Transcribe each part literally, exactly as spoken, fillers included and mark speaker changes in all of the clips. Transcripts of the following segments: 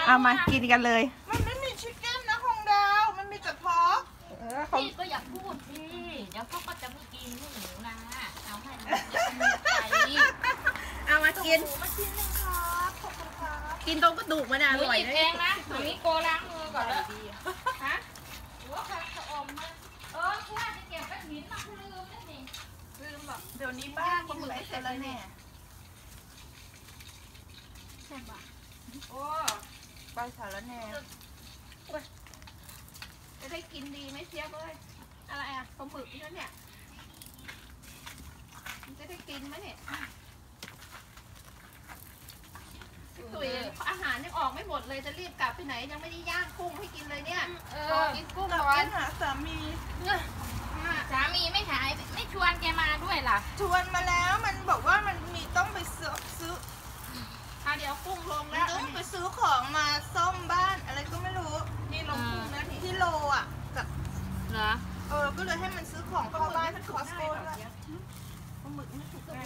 Speaker 1: เอามากินกันเลย
Speaker 2: มันไม่มีชิคเก้นนะของดาวมันมีแต่พอ
Speaker 3: พี่ก็อยากพูดสิเดี๋ยวเขาก็จะไม่กินหนูนะเอาให้มันใจ
Speaker 1: เอามากิน
Speaker 2: มากินนึงครับขอบคุณครับ
Speaker 1: กินตรงกระดูกมันอร่อย
Speaker 3: เลยเองนะตรงนี้โกล้างมือก่อนแล้วฮะหรือว่าใครจะอมมันเออแค่จะเก็บเป็นหินมาลืมนั่นเอง
Speaker 2: ลืมแบบเดี๋ยวนี้บ้านคนไหนเสร็จแล้วแน่
Speaker 3: แซ่บอ่ะ
Speaker 2: โอ้ไปสารแน่
Speaker 1: จะได้กินดีไหมเชียบเลยอะไรอ่ะปลาหมึกนี่เนี่ยจะได้กินไหมเนี่ยตุ๋ยอาหารยังออกไม่หมดเลยจะรีบกลับไปไหนยังไม่ได้ย่างกุ้งให้กินเลยเนี่ย
Speaker 3: เออกินกุ้งร้อน
Speaker 2: หาสามี
Speaker 3: สามีไม่หายไม่ชวนแกมาด้วยล่ะ
Speaker 2: ชวนมาแล้วมันบอกว่ามันมีต้องไปซื้อซื้อ
Speaker 1: เอาเดี๋ยวกุ้งลงแล้ว
Speaker 2: ต้องไปซื้อของมาซ่อมบ้านอะไรก็ไม่รู้
Speaker 1: นี่ลงกุ้งนะ
Speaker 2: ที่โลอ่ะกับ
Speaker 3: เหรอ
Speaker 2: เออก็เลยให้มันซื้อของเข้าบ้านที่คอสโก้ด้วยปลาหมึกไม่ถูกได้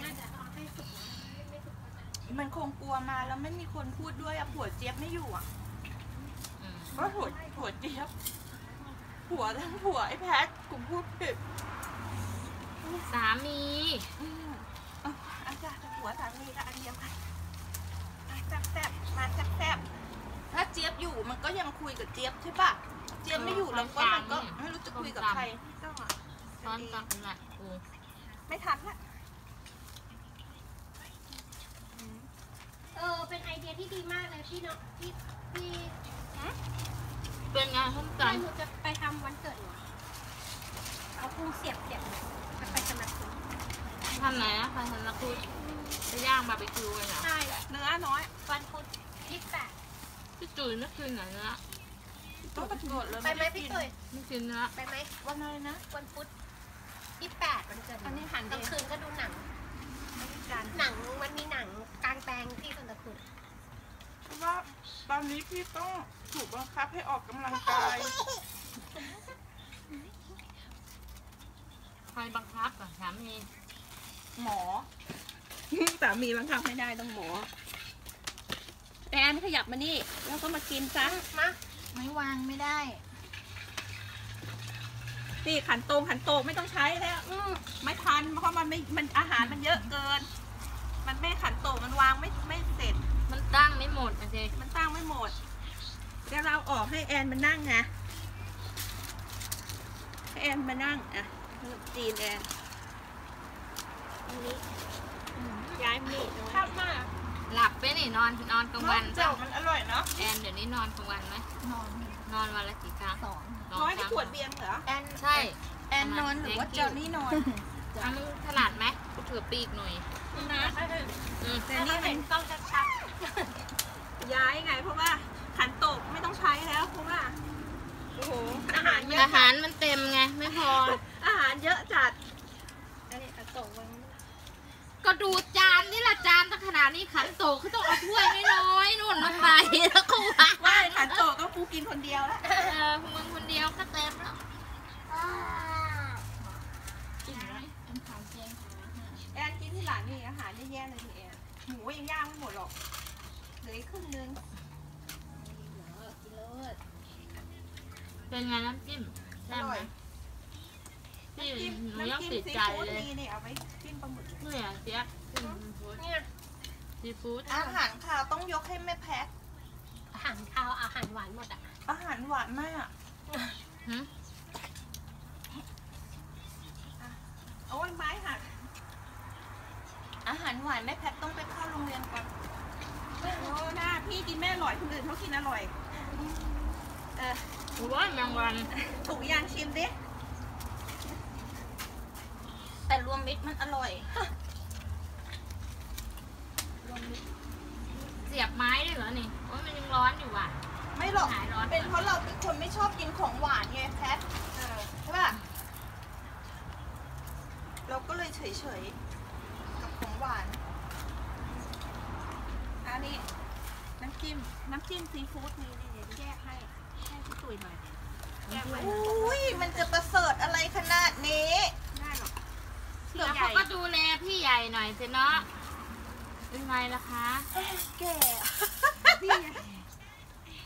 Speaker 2: มันคงกลัวมาแล้วไม่มีคนพูดด้วยอะผัวเจี๊ยบไม่อยู่อะก็ผัวผัวเจี๊ยบผัวทั้งผัวไอ้แพทกูพูดผิด
Speaker 3: สามี
Speaker 2: อาจารย์ผัวสามีก็อันเดียวกันแซ่บแซ่บมาแซ่บแซ่บถ้าเจี๊ยบอยู่มันก็ยังคุยกับเจี๊ยบใช่ปะเจี๊ยบไม่อยู่แล้วก็มันก็ไม่รู้จะคุยกับใครก็
Speaker 3: ตอนตอนขนาดกู
Speaker 2: ไม่ทันละ
Speaker 4: เออเป็นไอเดียที่ดีมากเลยพี่เนาะพี่พี่
Speaker 3: เป็นไงท่านจัน
Speaker 4: หนูจะไปทำวันเกิดหนูเอากุ้งเสียบเสียบจะไปสนับสนุน
Speaker 3: ทำไหนนะไปสนับสนุนจะย่างบาร์บีคิวกันเหรอ
Speaker 4: ใช่
Speaker 2: เนื้อน้อย
Speaker 4: วันพุธยี่สิบแปด
Speaker 3: พี่จุ๋ยไม่คืนไหนเนื้อ
Speaker 2: ต้องกระโดดเลย
Speaker 4: ไปไหมพี่จุ๋ย
Speaker 3: ไม่คืนเนื้อ
Speaker 4: ไปไหม
Speaker 2: วันอะไรนะ
Speaker 4: วันพุธยี่สิบแปดวันเกิด
Speaker 2: อันนี้หัน
Speaker 4: กลางคืนก็ดูหนังหนังมันมีหนังกลางแปลงที่สันตะคุด
Speaker 2: เพราะว่าตอนนี้พี่ต้องถูกบังคับให้ออกกำลังกาย
Speaker 3: ใครบังคับอ่ะสามี
Speaker 2: หมอ
Speaker 1: สามีบังคับไม่ได้ต้องหมอแอนขยับมานี่แล้วก็มากินซะ
Speaker 4: มาไม่วางไม่ได้
Speaker 1: นี่ขันโตงขันโตงไม่ต้องใช้แล้วไม่ทันเพราะมันไม่มันอาหารมันเยอะเกินมันไม่ขันโตงมันวางไม่ไม่เสร็จ
Speaker 3: มันตั้งไม่หมดอ่ะเจ๊
Speaker 1: มันตั้งไม่หมดเดี๋ยวเราออกให้แอนมานั่งไงให้แอนมานั่งอ่ะจีนแอน
Speaker 4: อันนี้
Speaker 1: ย้ายมีด
Speaker 2: ชอบมาก
Speaker 3: หลับไปนี่นอนนอนกลางวัน
Speaker 2: เจ้ามันอร่อยเนาะ
Speaker 3: แอนเดี๋ยวนี้นอนกลางวันไหม
Speaker 4: นอน
Speaker 3: นอนวันละกี่ครั้ง
Speaker 4: สอง
Speaker 1: น้อยที่ขวดเบียร์เหรอ
Speaker 2: แอน
Speaker 3: ใช่
Speaker 2: แอนนอนหรือว่าเจ้านี่นอน
Speaker 3: ทำถนัดไหมกูถือปีกหน่อย
Speaker 1: นะ
Speaker 4: แต่นี่มันต้องชัด
Speaker 1: ย้ายไงเพราะว่าขันโตกไม่ต้องใช้แล้วเพราะว่าโอ้โหอาหารเยอะ
Speaker 3: อาหารมันเต็มไงไม่พอ
Speaker 1: อาหารเยอะจัด
Speaker 4: อันนี้ขันโตกวัน
Speaker 3: ก็ดูจานนี่แหละจานตั้งขนาดนี้ขันโตเขาต้องเอาถ้วยน้อยๆนู่นมาใส่แล้วก็วาง
Speaker 1: ว่าขันโตก็กูกินคนเดียวแล้ว
Speaker 3: เออมึงคนเดียวก็เต็มแล้ว
Speaker 1: กินไหมเป็นขาวเจียงแอนกินที่หลังนี่อาหารแย่ๆเลยทีแอนหมูยังย่างไม่หมดหรอกเหลือครึ่งนึง
Speaker 3: เป็นไงน้ำจิ้มแซ่บไหมพี่หนูยังติดใจเลย
Speaker 2: นี่เอาไว้จิ้มปลาหมึก
Speaker 3: เนี่ยเจี๊ยบ
Speaker 4: เนี่ย
Speaker 3: ซีฟู้ด
Speaker 2: อาหารคาวต้องยกให้แม่แพ็ค
Speaker 4: อาหารคาวอาหารหวานหมดอ่ะ
Speaker 2: อาหารหวานมาก
Speaker 1: โอ้ยไม้หัก
Speaker 2: อาหารหวานแม่แพ็คต้องไปเข้าโรงเรียนก่อน
Speaker 1: โอ้หน้าพี่กินไม่อร่อยคนอื่นเขากินอร่อย
Speaker 3: เออถูกว่าแมงวัน
Speaker 1: ถูกยางชิมดิ
Speaker 2: แต่รวมมิตรมันอร่อย
Speaker 3: เสียบไม้ด้วยเหรอนี่โอ้ยมันยังร้อนอยู่ว่ะ
Speaker 2: ไม่หรอกเป็นเพราะเราเป็นคนไม่ชอบกินของหวานไงแพทใช่ป่ะเราก็เลยเฉยๆกับของหวาน
Speaker 1: อันนี้น้ำจิ้มน้ำจิ้มซีฟู้ดนี่นี่แยกให้ให้พี่ตุ๋ยหน่อยแยกไว้
Speaker 2: อุ้ยมันจะประเสริฐอะไรขนาดนี้
Speaker 1: ได้หรอ
Speaker 3: เดี๋ยวเขาก็ดูแลพี่ใหญ่หน่อยสิเนาะเป็นไงล่ะคะ
Speaker 2: แก่
Speaker 1: พี่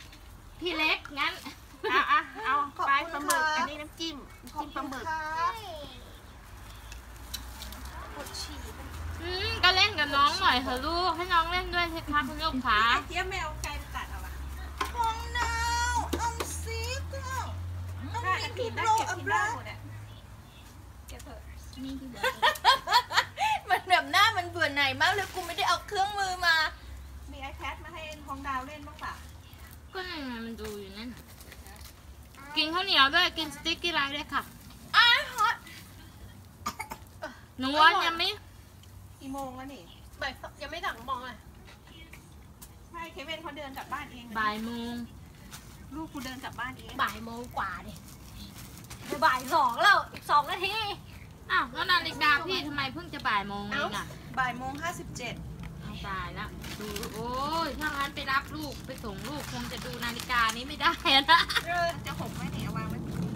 Speaker 3: น้องเล่นด้วยสิคะคุณลูกค้า
Speaker 1: ไอ้เจี๊ยบไม่เอาไกลไปตัดเอาอะ
Speaker 2: ฟองนาวเอาซิก็ต้อง
Speaker 1: ได้
Speaker 2: มี
Speaker 1: กิ
Speaker 2: ทุ
Speaker 1: น
Speaker 2: ก
Speaker 1: ได้
Speaker 2: โล
Speaker 1: เก็บ
Speaker 2: อั
Speaker 1: กิ
Speaker 2: บ
Speaker 1: นได้
Speaker 2: รา
Speaker 1: หมดอะเก็บเถอะ
Speaker 3: นี่ที่บอก
Speaker 2: มันแบบหน้ามันเบื่อหน่ายมากเลยกูไม่ได้เอาเครื่องมือมา
Speaker 1: มี iPad มาให้ทองดาวเล่นบ้างป่ะ
Speaker 3: ก็นั่นไงมันดูอยู่นั่นน่ะกินข้าวเหนียวด้วยกินสติ๊กกี้ไลท์ด้วยค่ะ
Speaker 2: อ้าวฮอต
Speaker 3: หนูว่ายังไม่
Speaker 1: กี่โมงแล้วนี่
Speaker 4: บ่ายสองยังไม่สั่งมองอ่ะ
Speaker 1: ใช่เควินเขาเดินกลับบ้านเองนะ
Speaker 3: บ่ายโมง
Speaker 1: ลูกกูเดินกลับบ้านเอง
Speaker 4: บ่ายโมงกว่าดิเดี๋ยวบ่ายสองแล้วอีกสองนาที
Speaker 3: อ้าวแล้วนาฬิกาพี่ทำไมเพิ่งจะบ่ายโมงเองอ่ะ
Speaker 2: บ่ายโมงห้าสิบเจ็ด
Speaker 3: เอาตายแล้วดูโอ้ยถ้างั้นไปรับลูกไปส่งลูกคงจะดูนาฬิกานี้ไม่ได้อะนะ
Speaker 1: จะหกไหมเนี่ยเอาวางไว้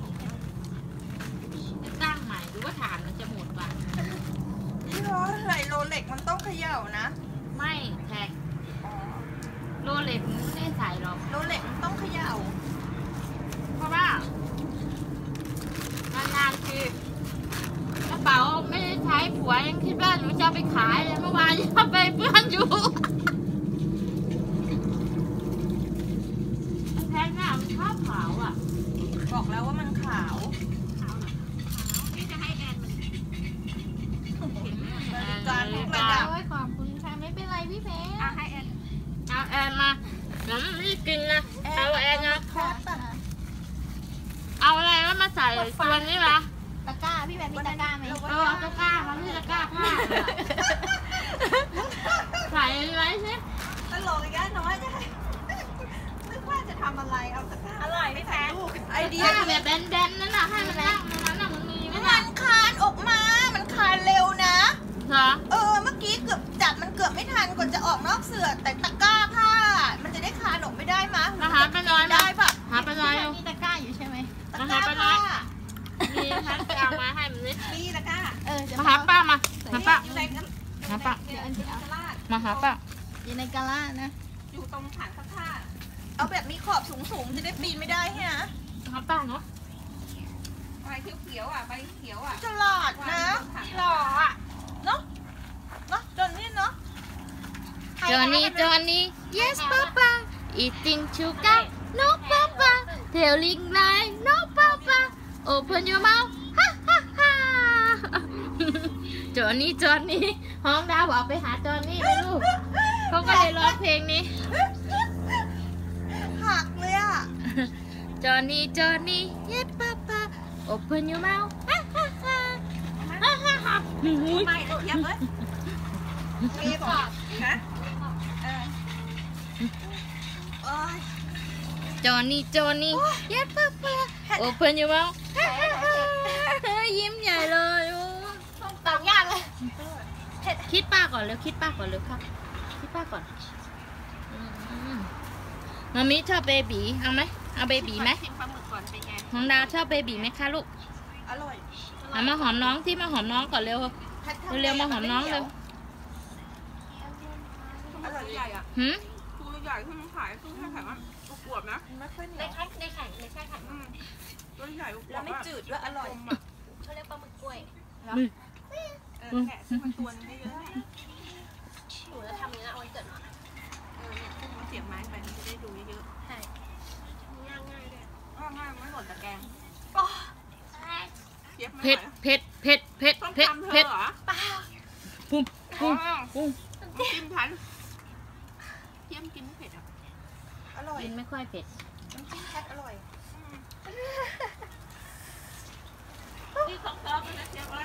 Speaker 3: จะตั้งใหม่หรือว่าฐานมันจะหมดป่ะ
Speaker 2: พี่ร้อนไหลโรเล็กมันต้องเขย่านะ
Speaker 3: ไม่แท็กโรเล็กมันไม่ได้ใส่หรอก
Speaker 2: โรเล็กมันต้องเขย่า
Speaker 3: เพราะว่านานๆคือกระเป๋าไม่ได้ใช้ผัวยังคิดว่าหนูจะเอาไปขายเลยเมื่อวานยังเอาไปเพื่อนอยู่แพงหน้ามันชอบขาวอ่ะ
Speaker 2: บอกแล้วว่ามันขาว
Speaker 1: นี่จะให้แอนมัน
Speaker 2: นาฬิกาทุกระดับ
Speaker 4: โอ้ยขอบคุณค่ะไม่เป็นไรพี่เพชร
Speaker 1: อ่ะให้แอน
Speaker 3: เอาแอนมาเดี๋ยวมันไม่ได้กินนะเอาแอนนะ
Speaker 2: ครับ
Speaker 3: เอาอะไรแล้วมาใส่ตัวนี้วะ
Speaker 4: ตะกร้าพี่เพชรมีตะกร้าไหม
Speaker 3: เออเอาตะกร้ามาที่ตะกร้าผ้าเลยอะใส่ไว้สิ
Speaker 1: ตลกอีกแล้วน้อยจะให้นึกว่าจะทำอะไรเอาตะกร้าอร่อยไม่แพ้ลูก
Speaker 2: ไอเดีย
Speaker 3: ผ้า
Speaker 2: ดี
Speaker 3: แบบแบนๆนั่นน่ะให้มันนั่งตรงนั้นน่ะมันมีไหม
Speaker 2: มั
Speaker 3: ล่ะ
Speaker 2: นคานออกมา มันคานเร็วนะ
Speaker 3: เหรอ
Speaker 2: เออ เมื่อกี้เกือบจับมันเกือบไม่ทันก่อนจะออกนอกเสือแต่ตะกร้าผ้า มันจะได้คานออกไม่ได้มะ
Speaker 3: มาหาไปน้อยมา
Speaker 2: ได้ปะ
Speaker 3: หาไปน้อย
Speaker 4: พี่เพชรมีตะกร้าอยู่ใช่ไหม
Speaker 2: ตะ
Speaker 3: มาก หา
Speaker 2: ร้า
Speaker 3: ไปน้อ
Speaker 2: ผ้าย
Speaker 3: มีฉันไปเอามาให้มันนิด
Speaker 1: นี่ตะกร้า
Speaker 4: เออจะ
Speaker 3: มาหาป้ามาหาป้า
Speaker 1: อยู่ในกัน
Speaker 3: หาป้า
Speaker 1: เดี๋ยวอันที่เอาตะลาด
Speaker 3: มาหาป้า
Speaker 4: อยู่ในกะลานะ
Speaker 1: อยู่ตรงถังซักผ้า
Speaker 2: เอาแบบมีขอบสูงๆ จะได้ปีนไม่ได้ฮะ
Speaker 3: หาป้าเนาะ
Speaker 1: ใบเขียวๆอ่ะใบเขียวอ่ะ
Speaker 2: ฉลาดนะหล่ออ่ะ เนาะเนาะจนนี่เนาะ
Speaker 3: จอห์นนี่จอห์นนี่ yes papa eating sugar no papa telling lie no papa open your mouth ฮ่าฮ่าฮ่าจอห์นนี่จอห์นนี่ห้องดาวบอกไปหาจอห์นนี่เลยลูกเขาก็เลยร้องเพลงนี้
Speaker 2: หักเลยอ่ะ
Speaker 3: จอห์นนี่จอห์นนี่ yes papa open your mouth ฮ่าฮ่าฮ่าฮ่าฮ่าฮ่า
Speaker 1: ไม่ตะเทียบเลย
Speaker 2: มีบอก
Speaker 1: นะเออ
Speaker 2: โอ้ย
Speaker 3: จอห์นนี่จอห์นนี่ yes papa open your mouth ฮ่าฮ่าฮ่ายิ้มใหญ่เลยโอ้
Speaker 4: ตอบยากเลย
Speaker 3: คิดป้าก่อนเร็วคิดป้าก่อนเร็วค่ะคิดป้าก่อนอืมมามิชอบเบบีเอาไหมเอาเบบีไหม
Speaker 1: ชิมปลาหมึกก่อนเป็นไง
Speaker 3: น้องดาวชอบเบบีไหมคะลูก
Speaker 2: อร่อย
Speaker 3: เอามาหอมน้องที่มาหอมน้องก่อนเร็ว
Speaker 2: แพททำ
Speaker 3: เร็วๆมาหอมน้องเร็ว
Speaker 1: อร่อยใหญ่อ่ะ
Speaker 3: หืม
Speaker 1: ตัวใหญ่ขึ้นขายตู้แค่แข็งอ่ะตัวขวบนะ
Speaker 2: ไม่ค่อยเหนี
Speaker 4: ใน
Speaker 2: ยว
Speaker 4: แค่ในแข่งในแค่แข่ง
Speaker 1: อืมตัวใหญ่ตัวขว
Speaker 2: แล้ว
Speaker 1: บ
Speaker 2: ไม่
Speaker 1: อ่ะ
Speaker 2: จืดด้วยอร่อย
Speaker 1: กลมอ่ะ
Speaker 4: เขาเรียกปลาหมึกกล้วย
Speaker 1: เออแกะซึ่งมันตัวนึงได้เยอะ
Speaker 4: หนูจะทำอย่างนี้นะวันเกิดหนู
Speaker 1: เออเนี่ยซึ่งมันเสียบไม้ไปมันจะได้ดูเยอะ
Speaker 4: ใช่ง่ายง่ายเลย
Speaker 1: ๆอ้าวง่ายมันหล่นตะแกรงเสียบไม่
Speaker 3: เผ็ด
Speaker 1: ไหว
Speaker 3: เผ็ดเผ็ดเผ็ด
Speaker 1: ต้อง
Speaker 3: เผ็ด
Speaker 1: ทำเธ
Speaker 3: เผ็
Speaker 1: อ
Speaker 3: ด
Speaker 1: เหรอ
Speaker 3: ปุ้ม
Speaker 1: อ๋
Speaker 3: ปุ้ม
Speaker 1: อ
Speaker 3: ปุ้ม
Speaker 1: จิ้มทันเทียมกินไม่เผ็ดอ่ะ
Speaker 2: อร่อย
Speaker 3: กินไม่ค่อยเผ็ด
Speaker 2: น้ำจิ้มแพทอร่อย
Speaker 1: ที่สองซอสนะเทียมว่า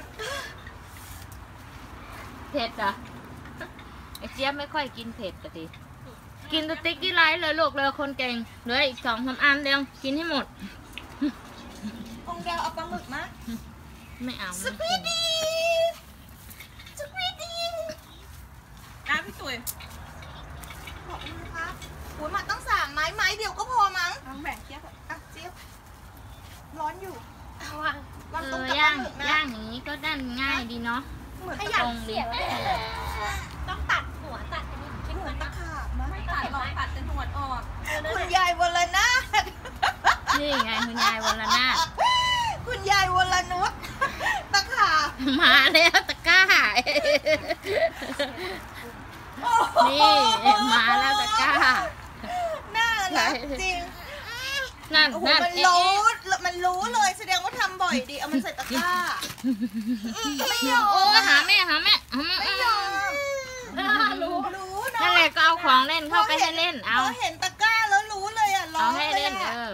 Speaker 3: เผ็ดเหรอไอเจี๊ยบไม่ค่อยกินเผ็ดแต่ดิกินสติ๊กกี้ไลท์เลยลูกเลยคนเก่งเหลืออีกสองสามอันเดียวกินให้หมด
Speaker 2: องดาวเอาปลาหมึกมา
Speaker 3: ไม่เอา
Speaker 2: ส
Speaker 3: ไม่
Speaker 2: ปี
Speaker 3: กิน
Speaker 2: ดีสปีดี
Speaker 1: อ่ะพี่ตุ๋ย
Speaker 2: ขอบคุณครับโอ้ยมาต้องสามไม้ไม้เดียวก็พอมั้ง
Speaker 1: เอาแบ่งเทียบอ่ะ
Speaker 2: อ่ะเจี๊ยบร้อนอยู่
Speaker 4: เอาวาง
Speaker 2: วาง
Speaker 3: เอ
Speaker 2: ตรง
Speaker 3: อ
Speaker 2: กับป
Speaker 3: ย่า
Speaker 2: ลาง หมึกนะ
Speaker 3: ย่างอย่างนี้ก็ด้านง่ายดีเนาะ
Speaker 2: เหมือน
Speaker 4: ถ้า
Speaker 2: ตะ
Speaker 4: อยาก
Speaker 3: ตรงดิ
Speaker 4: เสียบต้องตัดหัวตัดอันนี้ชิ้น
Speaker 2: เห
Speaker 4: หั
Speaker 2: มื
Speaker 4: ว
Speaker 2: อนตะ
Speaker 4: ตัด
Speaker 2: ขาบนะ
Speaker 1: ไม่ตัดหรอกตัดแต่หนวดออก
Speaker 2: คุณยายวรนาถ
Speaker 3: นี่ไงคุณยายวรนาถ
Speaker 2: คุณยายวรนุชตะขาบ
Speaker 3: มาแล้วตะกร้านี่มาแล้วตะกร้า
Speaker 2: น่ารักจริง
Speaker 3: นั่น
Speaker 2: โอ้โห
Speaker 3: นั่น
Speaker 2: มัน
Speaker 3: เอ๊ะ
Speaker 2: รู้
Speaker 3: เอ๊ะ
Speaker 2: มันรู้เลยแสดงว่าทำบ่อยดี เอามันใส่ตะกร้า ไม่ยอม
Speaker 3: โอ้หาแม่หาแม่หาแม่
Speaker 2: ไม่ยอม
Speaker 3: รู้
Speaker 2: รู้นะ
Speaker 3: นั่นแหละก็เอาของเล่นเข้าไปให้เล่นเอา
Speaker 2: พอเห็นตะกร้าแล้วรู้เลยอ่ะร้อ
Speaker 3: เอา
Speaker 2: ง
Speaker 3: ให้
Speaker 2: เลย
Speaker 3: เล่นเอ
Speaker 2: อ่ะ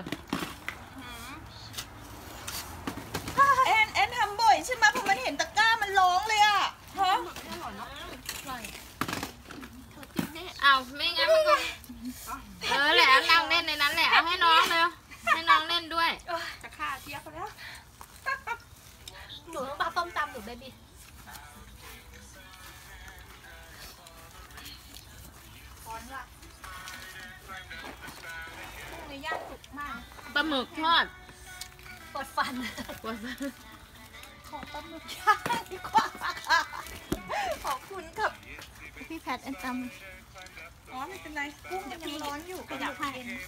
Speaker 3: อ
Speaker 2: แอนแอนทำบ่อยใช่ไหมพอมันเห็นตะกร้ามันร้องเลยอ่ะฮะ
Speaker 3: เอาไม่งั้นมันก็เออแหละนั่งเล่นในนั้นแหละเอาให้น้องเร็วให้น้องเล่นด้วย
Speaker 1: จะฆ่าเทียบไปแล้ว
Speaker 4: หนูต้องปลาต้มตำหนูเบบี้
Speaker 2: ร้อนว่ะพรุ่งนี้ย่างสุกมาก
Speaker 3: ปลาหมึกทอด
Speaker 4: ปวดฟัน
Speaker 3: ปวด
Speaker 2: ของปลาหมึกย่างดีกว่าค่ะขอบคุณครับ
Speaker 3: พี่แพทแอนต
Speaker 1: อ๋อไม่เป็นไรกุ้ง
Speaker 2: ยังร้อนอยู่
Speaker 1: ขยับให้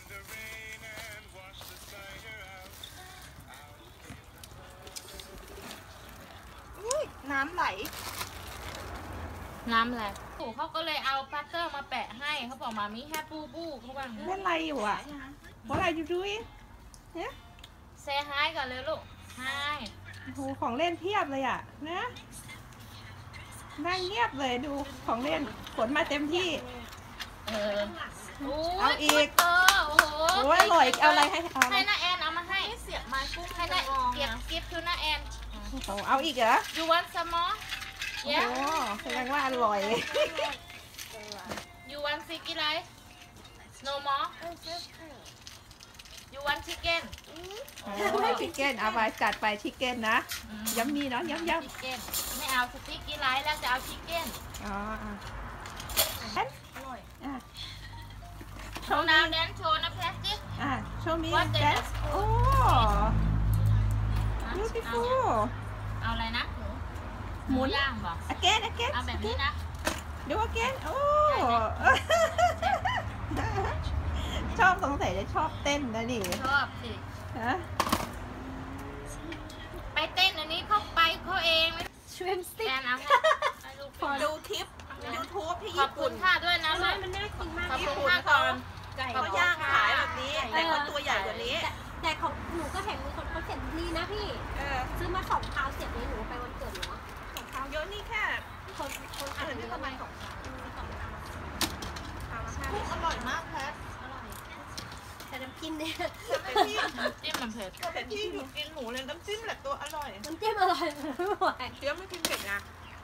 Speaker 2: อุ้ยน้ำไหล
Speaker 3: ำน้ำอะไรปู่เขาก็เลยเอาพัตเตอร์มาแปะให้เขาบอกมามีแฮปปูบูเขาว่างั้น
Speaker 1: เล่นอะไรอยู่อ่ะ What are you doing
Speaker 3: เซฮายก่อนเลยลูกฮาย
Speaker 1: โอ้โหของเล่นเพียบเลยอ่ะนะนั่งเงียบเลยดูของเล่นขนมาเต็มที่
Speaker 3: เออโอ้
Speaker 1: เอา
Speaker 3: ย
Speaker 1: อีก
Speaker 3: เออโอ้โห
Speaker 1: โอ้ยอร่อยเอาอะไรให้เอาอะไร
Speaker 3: ให้น้าแอนเอามาให้เสียบไม้กุ้งให้น้าเก็บกิฟต์ทูน้าแอน
Speaker 1: โอ้โหเอาอีกเหรอ
Speaker 3: you want some more
Speaker 1: โอ้
Speaker 3: yeah
Speaker 1: โหแสดงว่าอร่อย
Speaker 3: you want sticky rice no more you want chicken
Speaker 1: โอ้ชิคเก้นเอาไปจัดไปชิคเก้นนะย้ำมีเนาะย้ำย้
Speaker 3: ชิคเก้นไม่เอาสติ๊กกี้ไลท์แล้วจะเอาชิคเก้น
Speaker 1: ำอ๋ออ่ะ
Speaker 2: อร่อย
Speaker 1: อ่ะ
Speaker 3: โชว์น้ำแดนโชว์นะแพทสิ
Speaker 1: อ่ะโชว์มี
Speaker 3: What the
Speaker 1: แดนโอ้ beautiful
Speaker 3: เอาอะไรนะ
Speaker 1: หมุน
Speaker 3: ย่างบอก
Speaker 1: again again
Speaker 3: เอาแบบนี้นะ
Speaker 1: ดู again โอ้ ชอบสงสัยจะชอบเต้นนะนี่
Speaker 3: ชอบสิ
Speaker 1: ฮะ
Speaker 3: ไปเต้นอันนี้เข้าไปเขาเองไม่
Speaker 4: ชริมสติ๊
Speaker 3: แอก นเอาให้ให้ลูก
Speaker 2: พอดูคลิปยูทูบที่
Speaker 3: ขอบ
Speaker 2: ญี่
Speaker 3: คุ
Speaker 2: ปุ่
Speaker 3: ณ
Speaker 2: น
Speaker 3: ค่ะด้วยนะลู
Speaker 4: ไม่
Speaker 3: ก
Speaker 4: มันน่ากินมาก
Speaker 3: ขอบ
Speaker 2: ญี่
Speaker 3: คุณ
Speaker 2: ปุ่น
Speaker 3: ค่ะ
Speaker 2: เขา
Speaker 3: ก่อน
Speaker 2: ไก่เขาย่างขายแบบนี้แต่เขาตัวใหญ่กว่านี้
Speaker 4: แต่แต่ของหนูก็เห็นมีคนเขาเสียบดีนะพี่
Speaker 2: เออ
Speaker 4: ซื้อมาสองพาวเสียบนี้หนูไปวันเกิดหนูอะ
Speaker 2: ของเขาเยอะนี่แค่
Speaker 4: คนคนอ่านนี่ประมาณสองพาวสองพาว
Speaker 2: กุ้งอร่อยมากแพท
Speaker 4: อร่อยแต่น้ำจิ้มเนี่ย
Speaker 2: แต่พี่
Speaker 3: จิ้มมันเผ็ด
Speaker 2: แต่พี่หนูกินหมูเลยน้ำจิ้มแหละตัวอร่อย
Speaker 4: น้ำจิ้มอร่อยไม่ไหว
Speaker 2: เดี๋ยวไม่กินเผ็ดนะ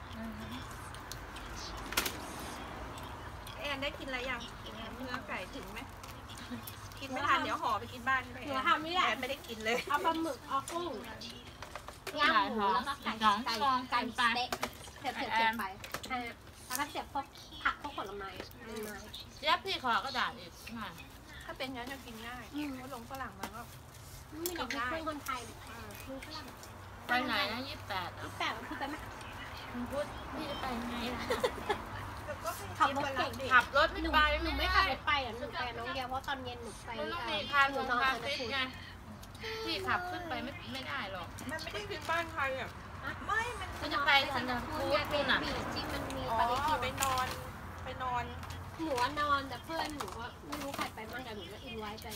Speaker 2: แอนได้กินอะไรยังเนื้อไก่ถึงไหมกินไม่ทันเดี๋ยวห่อไปกินบ้านไป
Speaker 4: หนูทำนี่แหละ
Speaker 2: แอนไม่ได้กินเลย
Speaker 4: เอาปลาหมึกเอากุ้งย่างหมูแล้วก็ไก่ไก่ไก่สเต็กเสียบเสียบเสียบไปอ่ะแล้วก็เสียบพวกผักพวกผลไม้ใบไม้
Speaker 3: ยับพี่ขอกระดาษอีกหน่อย
Speaker 2: ถ้าเป็นงั้นจะกินง่ายเพราะลงฝรั่งมาก็
Speaker 4: มีดอกไม้เพื่อนคนไทยอ่าคือฝรั่ง
Speaker 3: ไปไหนนะยี่สิบแปดอ่ะ
Speaker 4: ที่แปดมันคือไปไหม
Speaker 3: คุณพูดพี่จะไปไงล่ะ
Speaker 4: ขับรถเก่ง
Speaker 3: ขับรถไม่
Speaker 4: หนู
Speaker 3: ไป
Speaker 4: หนู
Speaker 3: ไม่
Speaker 4: ไม่
Speaker 3: ได้
Speaker 4: ขับรถไปอ่ะหนูไปกับน้องเดียวเพราะตอนเย็นหนูไป
Speaker 3: มันต้องมี
Speaker 4: อ่
Speaker 3: พา
Speaker 4: ห
Speaker 3: ห
Speaker 4: นู
Speaker 3: ลง
Speaker 4: นอน
Speaker 3: พา
Speaker 4: กัน
Speaker 3: ฟิต
Speaker 4: คุณ
Speaker 3: ไงพี่ขับขึ้นไปไม่ไม่ได้หรอก
Speaker 2: มันไม่ได้ขึ้นบ้านใครอ่ะไม่ มัน
Speaker 3: ก็จะไปทันทีพูด
Speaker 4: เป็
Speaker 3: นู่
Speaker 4: น
Speaker 3: นน่ะ
Speaker 4: บีจริงมันมี
Speaker 2: อ๋อ
Speaker 4: ปาริกิน
Speaker 2: ไปนอน ไปนอน
Speaker 4: หนูว่านอนแต่เพื่อนหนูว่าไม่รู้ใครไปบ้างแต่หนูก็อินไว้ไป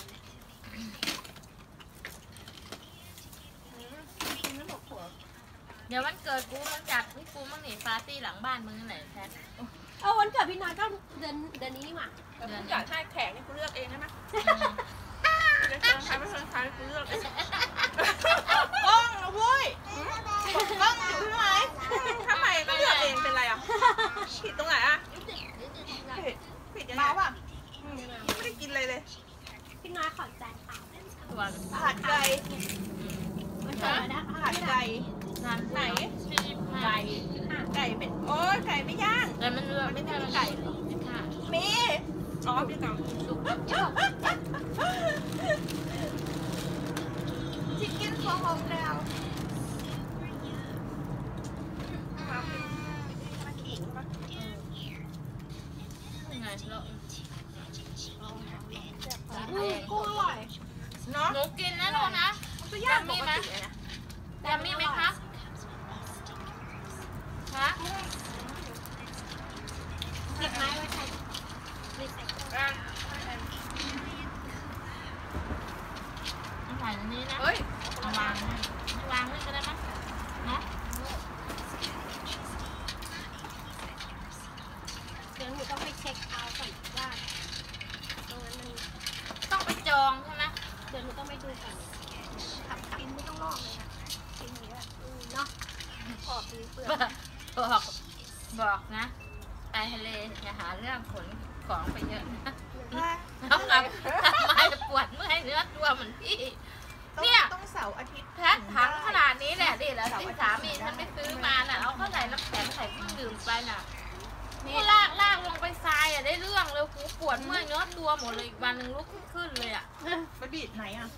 Speaker 2: กินแล้วบอกผัว
Speaker 3: เดี๋ยววันเกิดกูมันจัดพี่กูมันหนีปาร์ตี้หลังบ้านมึงนั่นแหละแพท
Speaker 4: เออวันเกิดพี่น้อยก็เดือนเดือนนี้นี่หว่า
Speaker 2: แต่ผู้จัดให้แขกนี่กูเลือกเองได้ไหมจะเชิญใครไม่เชิญใครกูเลือกเองกล้องนะเว้ยกล้องอยู่ที่ไหนทำไมก็เลือกเองเป็นไรอ่ะผิดตรงไหนอ่ะผิดผิดยังไงป่ะไม่ได้กินเลยเลย
Speaker 4: พี่น้อยขอใจค่ะ
Speaker 3: ตัว
Speaker 2: ผัดไก่
Speaker 4: วันเกิดนะ
Speaker 2: ผัดไก่
Speaker 3: ทานไหนสี่สิบห้า
Speaker 2: ไก่ไก่เป็นโอ้ยไก่ไม่ย่าง
Speaker 3: แต่มันเลือก
Speaker 2: ไม่
Speaker 3: ไม่
Speaker 2: ได้
Speaker 3: ใช่
Speaker 2: มี
Speaker 3: มัน
Speaker 2: ไก่
Speaker 3: ค่ะ
Speaker 2: มีอ๋อมีก่อนชิคเก้นฟอร์โฮมดาวมาเป็นมาขิงมา
Speaker 3: ยังไงเรา
Speaker 4: กุ้งอร่อย
Speaker 2: เนาะ
Speaker 3: หนูกินนะลูกนะ
Speaker 2: มันก็ย่างปกติเลยนะ
Speaker 3: ยำมีไหมคะคะ
Speaker 4: เก็บไม้ไว้
Speaker 3: ใส่อันนี้นะ
Speaker 1: เฮ้ย
Speaker 3: เอาวางให้วางไว้ก็ได้มั้งเนาะ
Speaker 4: เดี๋ยวหนูต้องไปเช็คเอาท์ก่อนว่าตรงนั้นมัน
Speaker 3: ต้องไปจองใช่ไหม
Speaker 4: เดี๋ยวหนูต้องไปดูก่อน
Speaker 2: ขับกินไม่ต้องลอกเลยนะกินอย่างเงี้ย
Speaker 4: อืมเนาะ
Speaker 2: ขอบดีเปลือก
Speaker 3: บอกบอกนะไปทะเลอย่าหาเรื่องขนของไปเยอะนะต้องทำทำไมจะปวดเมื่อยเนื้อตัวเหมือนพี่ เนี่ย
Speaker 2: ต้องเสาร์อาทิตย์
Speaker 3: แพ็คถังขนาดนี้แหละดิแล้วที่สามีฉันไปซื้อมาน่ะเอาเข้าใส่น้ำแข็งใส่เครื่องดื่มไปน่ะนี่ลากลากลงไปทรายอ่ะได้เรื่องเลยหูปวดเมื่อยเนื้อตัวหมดเลยอีกวันหนึ่งลุกไม่ขึ้นเลยอ่ะ
Speaker 2: ไปบีดไหนอ่ะ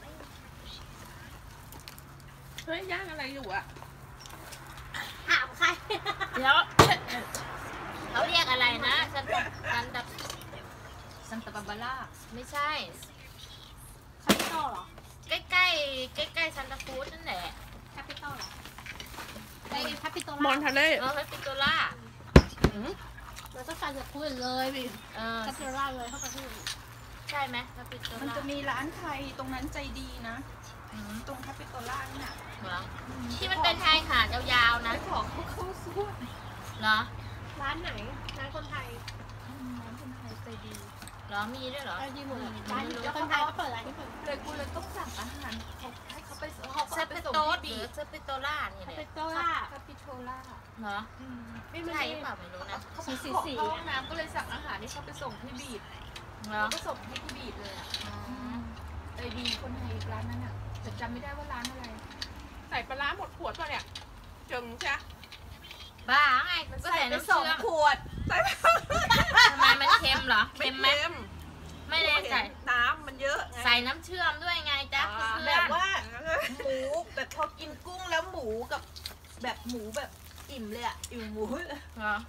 Speaker 1: เฮ้ยย่างอะไรอยู่อ่ะ
Speaker 4: ถามใคร
Speaker 3: เดี๋ยวเขาเรียกอะไรนะซันตาซันตาซันตาบาบาร่าไม่ใช่
Speaker 4: คาปิตอลเหรอ
Speaker 3: ใกล้ใกล้ใกล้ใกล้ๆซันตาฟูดนั่นแหละ
Speaker 4: แคปิตอลเหรอไอ้แคปิตอล
Speaker 1: มอนทะเล
Speaker 3: เออเฮปิโตล่า
Speaker 4: เราต้องการจะพูดเลยไป
Speaker 3: เออ
Speaker 4: แคปิตอลเลยเข้าไปพูด
Speaker 3: ใช่ไหมเฮปิโต
Speaker 2: มัน
Speaker 3: ล่า
Speaker 2: จะมีร้านไทยตรงนั้นใจดีนะ
Speaker 3: อืม
Speaker 2: ตรงคาปิโตล่านี่น่ะ
Speaker 3: เหรอที่มันเป็นชายหาดยาวๆนะ
Speaker 2: ไปของพวกเข้าสู้
Speaker 3: เหรอ
Speaker 4: ร้านไหนร้านคนไทย
Speaker 2: ร้านคนไทยใจดี
Speaker 3: เหรอมีด้วยเหรอ
Speaker 4: ร้านดีหมดเลยร้านแล้วคนไทยก็เปิดร้านที่เปิด
Speaker 2: เลยกูเลยต้องสั่งอาหารเขาให้เขาไปเขา
Speaker 3: เซ
Speaker 2: ก็
Speaker 3: ปิ
Speaker 2: ไปส่ง
Speaker 3: โตส
Speaker 2: ที่
Speaker 3: ห
Speaker 2: บี
Speaker 3: รือ
Speaker 2: ด
Speaker 3: เซปิโตล่านี่
Speaker 4: แค
Speaker 3: แห
Speaker 4: ปิ
Speaker 3: ละ
Speaker 4: ตอลล่า
Speaker 2: คาปิโตล่า
Speaker 3: เหรอ
Speaker 4: ไม่ไม่
Speaker 3: ใช่
Speaker 4: ใช่
Speaker 3: หรือเปล่าไม่รู้นะ
Speaker 2: เขาไปขอเข้าห้องน้ำก็เลยสั่งอาหารที่เขาไปส่งที่บีด
Speaker 3: เหรอ
Speaker 2: แล้วก็ส่งให้ที่บีดเลยอ่ะ
Speaker 3: อ๋อ
Speaker 2: ใจดีคนไทยร้านนั้นอ่ะแต่จำไม่ได้ว่าร้านอะไร
Speaker 1: ใส่ปลาร้าหมดขวดป่ะเนี่ยจึงใช่
Speaker 3: บ้าไงก็ใส่น้ำเชื่อม
Speaker 2: ขวด
Speaker 1: ใส่
Speaker 3: ทำไมมันเค็มเหรอ
Speaker 1: ไม่
Speaker 3: เค็มไหม
Speaker 1: เค็ม
Speaker 3: ไม่ได้ใส่
Speaker 1: น้ำมันเยอะไง
Speaker 3: ใส่น้ำเชื่อมด้วยไงจ๊ะเพื่อน
Speaker 2: แบบว่าหมูแบบพอกินกุ้งแล้วหมูกับแบบหมูแบบอิ่มเลยอ่ะอิ่มหมู
Speaker 3: เหรอ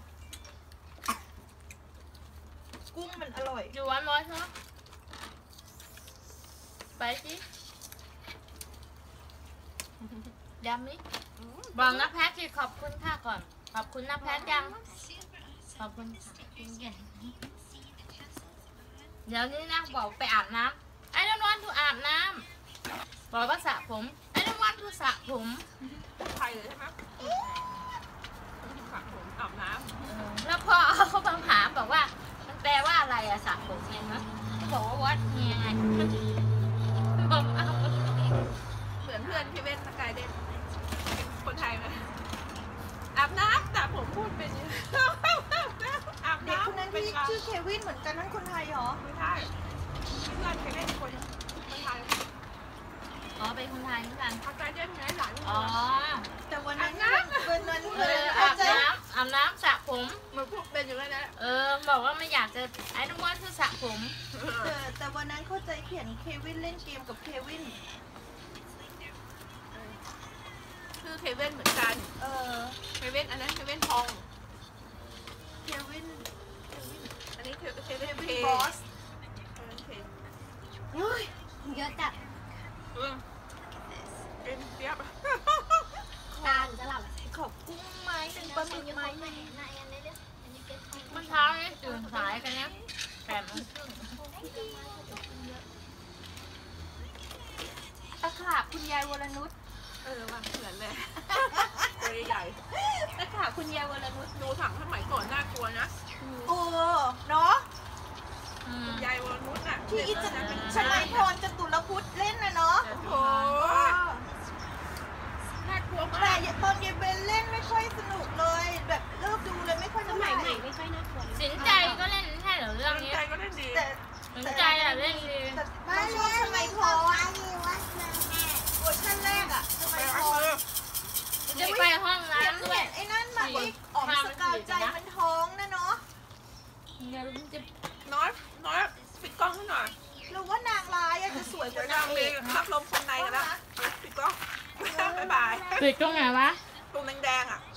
Speaker 2: กุ้งมันอร่อย
Speaker 3: อยู่วันร้อยใช่ไหมไปสิยำนี่บอกนะแพทสิขอบคุณค่ะก่อน ขอบคุณนะแพทยัง ขอบคุณค่ะเดี๋ยวนี้นะบอกไปอาบน้ำไอ้don't want to อาบน้ำบอกว่าสระผมไอ้ don't want to สระผม
Speaker 1: ไทยเลยใช่ไหมสระผมอาบน้
Speaker 3: แล้วพอเขามาถามบอกว่า มันแปลว่าอะไรอะสระผมไงนะเขาบอกว่าวัดเฮียไงบอกเอา
Speaker 1: ำเหมือนเพื่อนที่เว้นสกายเดนคนไทยไหมอาบน้ำแต่ผมพูดเป็นอาบ
Speaker 2: เด็ก
Speaker 1: น้ำ
Speaker 2: คนนั้น
Speaker 1: เป็น
Speaker 2: ที่
Speaker 1: การ
Speaker 2: ชื่อเควินเหมือนกันนั่นคนไทยเหรอ
Speaker 1: ไม่ใช่เพื่อนเคยเล่นคนคนไทย
Speaker 3: อ๋อเป็นคนไทยเหมือนกัน
Speaker 1: สกายเดนไงหลาน
Speaker 3: อ๋อ
Speaker 2: แต่วันนั้น
Speaker 1: อาบน้ำ
Speaker 2: วันนั้น
Speaker 3: เอ
Speaker 2: วัน
Speaker 3: อ
Speaker 2: นั้น
Speaker 3: อา
Speaker 2: เข้า
Speaker 3: บ
Speaker 2: ใจ
Speaker 3: น้ำอาบน้ำสระผม
Speaker 1: มันพูดเป็นอยู่แล้วนะ
Speaker 3: เออบอกว่าไม่อยากจะไอ้ต้องว่าคือสระผม
Speaker 2: แต่แต่วันนั้นเข้าใจเขียนเควินเล่นเกมกับเควิน
Speaker 1: ชื่อเคเว่นเหมือนกัน
Speaker 2: เออ
Speaker 1: เคเว่นอันนั้นเคเว่นทอง
Speaker 2: เควิน
Speaker 1: อันนี้เคเค
Speaker 2: เค
Speaker 1: เว่น
Speaker 2: วิ
Speaker 1: เคน
Speaker 2: บอส
Speaker 1: เคเว่นเค
Speaker 4: เฮ้ยเยอะจัด
Speaker 1: เออเป็นเปียบ
Speaker 4: ตาหนูจะหลับ
Speaker 2: ขอบกุ้งไม้เป็นปลาหมึกไม้หนึ่ง
Speaker 3: มันเช้านี่ตื่นสายกันเนี้ยแปดโมงครึ่ง
Speaker 2: ตะขาบคุณยายวรนุช
Speaker 1: เออว่ะเหมือนเลยตัวใหญ่
Speaker 2: ตะขาบคุณยายวรนุช
Speaker 1: ดูถังสมัยก่อนน่ากลัวนะ
Speaker 2: โอ้เนาะ
Speaker 3: อืม
Speaker 1: ยายวรนุชอ่ะ
Speaker 2: ที่อิจฉลัยพรจตุรพุทธเล่นนะเนาะ
Speaker 1: โอ้โหน่ากลัว
Speaker 2: แต่
Speaker 1: มาก
Speaker 2: ตอนเยเบนเล่นไม่ค่อยสนุกเลย แบบเลิกดูเลยไม่ค่อย
Speaker 4: ส
Speaker 2: เท่าไห
Speaker 4: มั
Speaker 2: ร่
Speaker 4: ยใหม่ไม่ค่อยน่ากลัว
Speaker 3: สินใจก็เล่นใช่เหรอเรื่องนี้
Speaker 1: ใจก็ได้ดี
Speaker 2: แต่
Speaker 3: สินใจอะเล่นดี
Speaker 2: แต่ไม่ชอบสมัยพรเวอร์ชันแรกอะส
Speaker 1: ไป
Speaker 2: มัยพ
Speaker 1: เอา
Speaker 2: ร
Speaker 1: เลย
Speaker 3: จะไปห้อง
Speaker 2: เขียน
Speaker 3: น้ำด้ว
Speaker 2: เขี
Speaker 3: ย
Speaker 2: ยนไอ้นั่นมาอีกอ๋อมสกาวใจมันท้องนะเนาะ
Speaker 3: เดี๋ยวมันจะ
Speaker 1: น้อยน้อยปิดกล้องให้หน่อย
Speaker 2: หรือว่านางร้ายอะจะสวยก
Speaker 1: เดี๋ย
Speaker 2: ว่าว นา
Speaker 1: จะ
Speaker 2: งเอ
Speaker 1: มี
Speaker 2: ก
Speaker 1: รับลมคนในกันแล้วปิดกล้องบ๊ายบาย
Speaker 3: ปิดตรงไหนวะ
Speaker 1: ตรงแดงๆอ่ะ